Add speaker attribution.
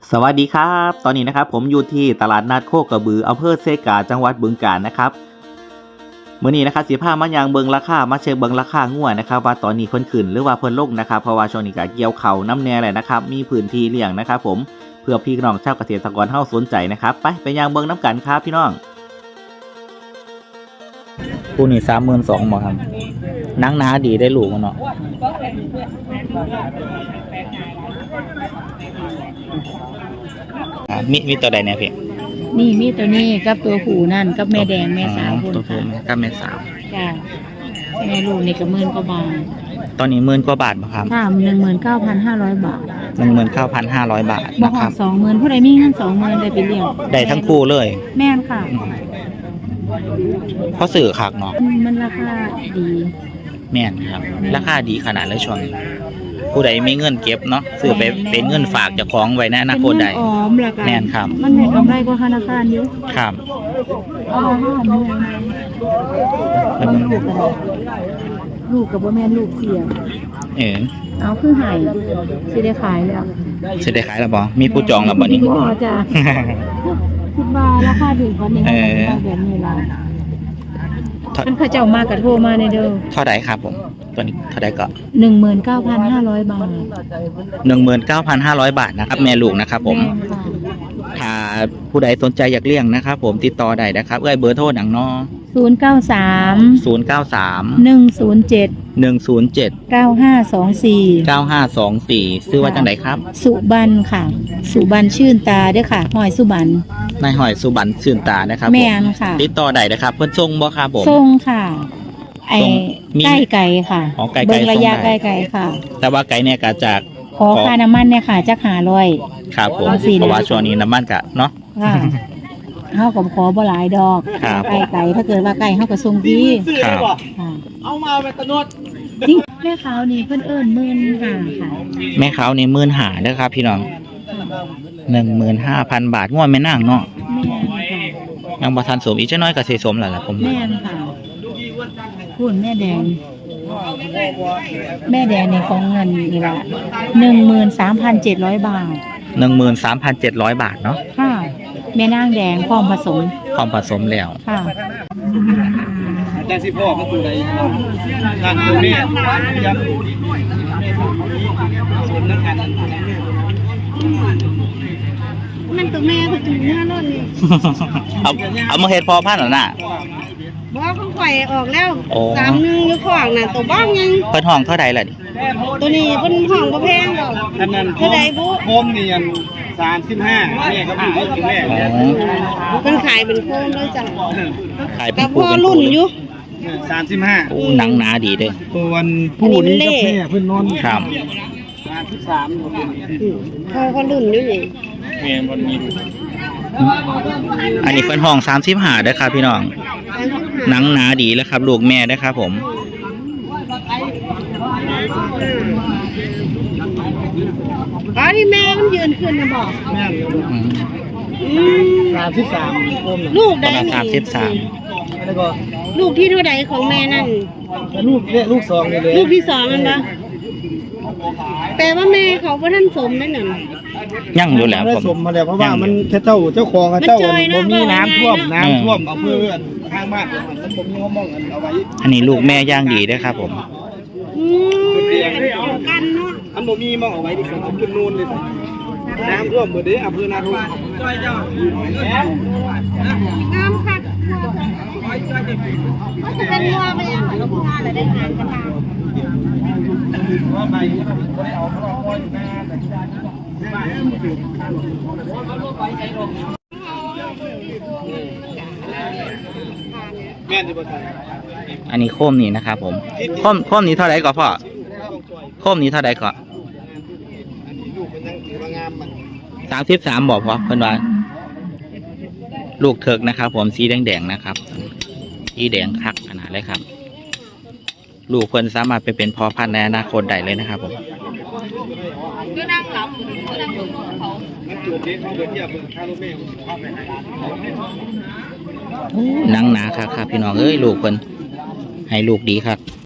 Speaker 1: สวัสดีครับตอนนี้นะครับผมอยู่ที่ตลาดนัดโคกระบืออำเภอเซกาจังหวัดบึงกาฬนะครับมื้อนี้นะครับสิพามายังเบิงราคามาเช็คเบิงราคางัวนะครับว่าตอนนี้เพิ่นขึ้นหรือว่าเพิ่นลงนะครับเพราะว่าช่วงนี้ก็เกี่ยวข้าวน้ำแน่แหละนะครับมีพื้นที่เลี้ยงนะครับผมเพื่อพี่น้องชาวเกษตรกรเฮาสนใจนะครับไปยังเบิงน้ำกันครับพี่น้องคู่นี้32,000บ่ครับนังหนาดีได้ลูกมันเนาะมีตัวใดเนี่ยพี่
Speaker 2: นี่มีตัวนี้กับตัวผูนั่นกับแม่แดงแม่สาวคน
Speaker 1: ตัวผู้
Speaker 2: ค่ะ
Speaker 1: กับแม่สาว
Speaker 2: จ้าแม่ลูกนี่ก็10,000 กว่าบาท
Speaker 1: ตอนนี้10,000 กว่าบาทบ่ครับ
Speaker 2: ค่ะ19,500 บาท
Speaker 1: 19,500 บาท
Speaker 2: บ่
Speaker 1: นะ
Speaker 2: ห
Speaker 1: ค
Speaker 2: อ
Speaker 1: รั
Speaker 2: ด
Speaker 1: บ
Speaker 2: 20,000ผู้ใดมีเงิน20,000ได้ไปเลี้ยง
Speaker 1: ได้ทั้งคู่เลย
Speaker 2: แม่นค่ะ
Speaker 1: เพราะสื่อคักเนาะ
Speaker 2: มันราคาดี
Speaker 1: แม่นครับราคาดีขนาดเลยช่วงนี้ผู้ใดมีเงินเก็บเนาะซื้อไปเป็นเงินฝากเจ้าของไว้ในอนาคตได้
Speaker 2: เป็นเงินออมล่ะค่ะ
Speaker 1: แม่นครับ
Speaker 2: มันได้กำไรกว่าธนาคารอยู่
Speaker 1: ครับ
Speaker 2: เอาห้าหมื่นมันลูกกับบ่แม่นลูกเสีย เอาคือหายสิได้ขายแล้ว
Speaker 1: สิได้ขายแล้วบ่มีผู้จองแล้วบ่นี่
Speaker 2: บ่จ้ะคิดว่าราคาถึงกว่านี้แบบนี้ล่ะมันเขาเจ้ามากับโทรมาในเด้อ
Speaker 1: เท่าใดครับผมตัวนี้เท่าใดก็
Speaker 2: 19,500 บาท
Speaker 1: 19,500 บาทนะครับแม่ลูกนะครับผมถ้าผู้ใดสนใจอยากเลี้ยงนะครับผมติดต่อได้นะครับเบอร์โทรหนังเนาะ
Speaker 2: 093
Speaker 1: 093
Speaker 2: 107
Speaker 1: 107
Speaker 2: 9524
Speaker 1: 9524ซื้อว่าจังไดครับ
Speaker 2: สุบันค่ะสุบันชื่นตาเด้อค่ะหอยสุบัน
Speaker 1: นายหอยสุบรรณชื่นตานะครับ
Speaker 2: แม่นค่ะ
Speaker 1: ติดต่อได้นะครับเพิ่นส่งบ่ครับผม
Speaker 2: ส่งค่ะไอ้
Speaker 1: ส่งมี
Speaker 2: ใกล้ไก่ค่ะ
Speaker 1: อ๋อไก่
Speaker 2: เบิ่งระยะ
Speaker 1: ส่ง
Speaker 2: ใก
Speaker 1: ได้
Speaker 2: ล้ไก่ค่ะ
Speaker 1: แต่ว่าไก่เนี่ยก็จาก
Speaker 2: ขอค่าน้ำมันเนี่ยค่ะจัก500
Speaker 1: ครับผม
Speaker 2: เอาสิ
Speaker 1: เพราะว่าช่วงนี้น้ำมันกะเนาะ
Speaker 2: ค่ะเฮาก็ขอบ่หลายดอก
Speaker 1: ครับ
Speaker 2: ไก่ถ้าเกิดว่าไก่เฮาก็ส่งดี
Speaker 1: ครับ
Speaker 2: ค่ะ
Speaker 3: เอามาเป็นตะนด
Speaker 2: นี่แม่ขาวนี่เพิ่นเอิ้น15,000ค่ะ
Speaker 1: แม่เขานี่15,000เด้อครับพี่น้อง 15,000 บาทงวดแม่นางเนาะ
Speaker 2: แม่นค่ะ
Speaker 1: ยังบ่ทันสมอีกจักหน้อยก็สิสมแล้วล่ะผม
Speaker 2: แม่นค่ะคุณแม่แดง แม่แดงในของเงินนี่ละ13,700 บาท
Speaker 1: 13,700 บาทเนาะ
Speaker 2: ค่ะ แม่นางแดงพร้อมผสม
Speaker 1: พร้อมผสมแล้ว
Speaker 2: ค่ะ
Speaker 3: อาจารย์สิพ่อมันตัวใดนั่นตัวนี้ยับสมนักกัน
Speaker 4: มันตัวแม่ก็ถึงหน้าร้อนนี่
Speaker 1: เอามาเฮ็ดพอพันธุ์แล้วน่ะ
Speaker 4: บอกของข่อยออกแล้ว
Speaker 1: โอ้
Speaker 4: 31อยู่ข้างน่ะตัวบ้างยัง
Speaker 1: เพิ่นห้องเท่าใดล่ะนี่
Speaker 4: ตัวนี้เพิ่นห้องบ่แพงดอก
Speaker 3: อันนั้น
Speaker 4: เท่าใดบุ
Speaker 3: โคมนี่ยัน35แม่ก็พูดถึงแม่
Speaker 1: อ๋อ
Speaker 4: เพิ่นขายเป็นโคมเลยจ้ะ
Speaker 1: ขายเป็
Speaker 4: แต่
Speaker 1: น
Speaker 4: พ
Speaker 1: คู่
Speaker 4: อ
Speaker 1: เป็น
Speaker 4: รุ่
Speaker 1: คู่
Speaker 4: น
Speaker 1: เลย
Speaker 4: อยู่
Speaker 3: 35
Speaker 1: โอ้หนังหนาดีเด้อ
Speaker 3: ตัววันผู้นี้กับแม่เพิ่นนอน
Speaker 1: ครับ
Speaker 3: 33ตัวนี้
Speaker 4: พอก็รุ่นอยู่นี่
Speaker 3: แม่บ่มี
Speaker 1: อันนี้เพิ่นห้อง35เด้อครับพี่น้อง หนังหนาดีแล้วครับลูกแม่นะครับผม
Speaker 4: อ๋อที่แม่มันยืนขึ้นนะบอก
Speaker 3: แม่
Speaker 1: อืม
Speaker 3: 33โคมน่ะ
Speaker 4: ลูก
Speaker 1: ป
Speaker 4: ได้
Speaker 1: ระมาณ
Speaker 4: นี่
Speaker 1: 33
Speaker 3: แล้วก็
Speaker 4: ลูกที่เท่าใดของแม่นั่น
Speaker 3: ลูกสองนี่เลย
Speaker 4: ลูกที่สองมันปะแปลว่าแม่เขาบ่ทันสมนั่นน่ะ
Speaker 1: ยั่งอยู่แล้ว
Speaker 3: ได้
Speaker 1: ผม
Speaker 3: สมมาแล้วเพราะว่ามันแค่เจ้าของเจ้า
Speaker 4: มันจอยนะ
Speaker 3: บ่มีน้ำท่วม
Speaker 4: บอกง่าย
Speaker 3: น้ำท่วมเอาเพื่อนข้างบ้านมันบ่มีห้องมองกันเอาไว้
Speaker 1: อันนี้ลูกแม่ย่างดีเด้อครับผม
Speaker 4: อืมกันเนาะ
Speaker 3: อันบ่มีมองเอาไว้ดิผมเอาขึ้นนู่นเลยน้ำท่วมหมดเด้อำเภอนาทง
Speaker 4: งามคักก็จะเป็นงัวไปยังงัวอะไรได้งานกันตาม
Speaker 3: แม่นที่บ่ทัน
Speaker 1: อันนี้โคมนี่นะครับผมโคมนี้เท่าไหร่ก่อนพ่อโคมนี้เท่าไหร่ก่อน
Speaker 3: ลูกมันยังถือว่างามมัน
Speaker 1: 33บอกพ่อเพิ่นว่าลูกเถิกนะครับผมสีแดงๆนะครับสีแดงคักขนาดเลยครับ ลูกเพิ่นสามารถไปเป็นพ่อพันธุ์ในอนาคตได้เลยนะครับผม
Speaker 3: มันจุดนี้เขาเดินเทียบค่ารถแม่เข้าไปไหน
Speaker 1: หนังหนาครับพี่น้องเอ้ยลูกเพิ่นให้ลูกดีครับ